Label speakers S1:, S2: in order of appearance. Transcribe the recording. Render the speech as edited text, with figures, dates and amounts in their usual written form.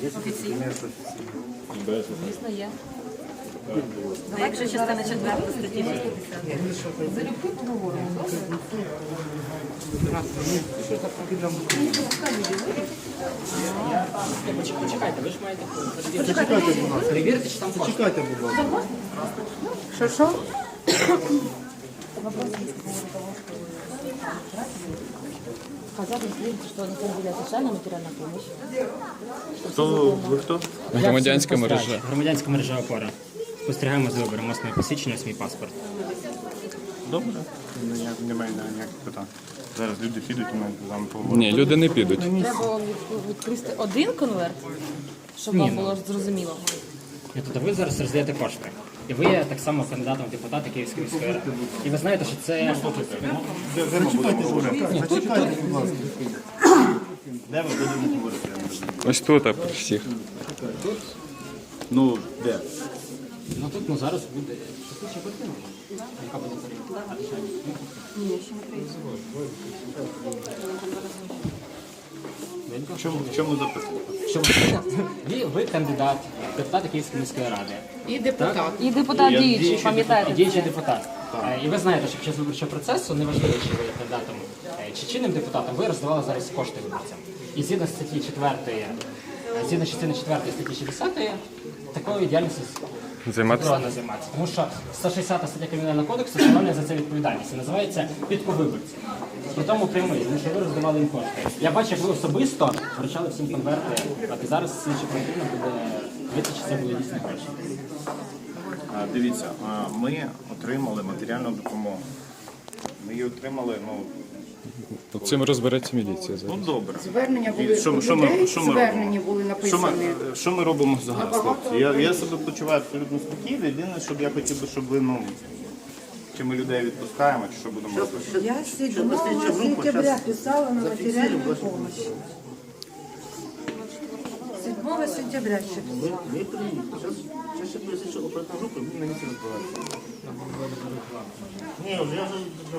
S1: Офіційно? Звісно, є. А якщо частина 4 статті 60? Залюбки поговоримо,
S2: Почекайте, ви ж маєте перевірити, чи там кошти.
S3: Чекайте, будь ласка.
S1: Що? Хотят услышать, что на самом деле социальная материальная помощь.
S3: Ви хто?
S4: Громадянська мережа.
S2: Громадянська мережа опора. Спостерігаємо за вибором власного посвідчення, свій паспорт.
S3: Добре. Немає ніяких питань. Зараз люди підуть, і ми з вами поговоримо.
S4: Ні, люди не підуть.
S1: Треба відкрити один конверт, щоб вам було зрозуміло.
S2: І тобто ви зараз роздаєте кошти. І ви є так само кандидатом в депутати Київської міської ради. І ви знаєте, що це...
S3: Зачекайте, будь ласка. Де ми будемо говорити? Я не розумію.
S4: Ось тут, а при всіх.
S3: Ну, де?
S2: Ну тут, зараз буде... Яка буде перевірка?
S3: В чому запитання?
S2: Що ви кандидат в депутати Київської міської ради.
S1: І депутат діючий, пам'ятаєте?
S2: Діючий депутат. І ви знаєте, що під час виборчого процесу, неважливо, чи ви є кандидатом чи чинним депутатом, ви роздавали зараз кошти виборцям. І згідно статті 4, згідно частини 4 статті 60, такою діяльністю заборонено займатися. Тому що 160 стаття Кримінального кодексу встановлює за це відповідальність. І називається підковиборці. При тому прямий, тому що ви роздавали їм кошти. Я бачу, як ви особисто вручали всім конверти, і зараз слідчі оперативно буде дивитися, чи це були дійсні гроші.
S3: Дивіться, ми отримали матеріальну допомогу. Ми її отримали,
S4: Цим розбереться міліція зараз.
S3: добре.
S5: Звернення були
S3: Що
S5: у
S3: ми
S5: людей,
S3: робимо?
S5: звернення були написані.
S3: Що ми робимо зараз, хлопці? Я себе почуваю абсолютно спокійно. Єдине, щоб я хотів би, щоб ви, чи ми людей відпускаємо, чи що будемо робити.
S5: Я 7 сентября писала на материальную помощь. 7 сентября ще писала.
S3: Зараз ще поясню, що оперативна група, він на місці розбирається. Ні, я вже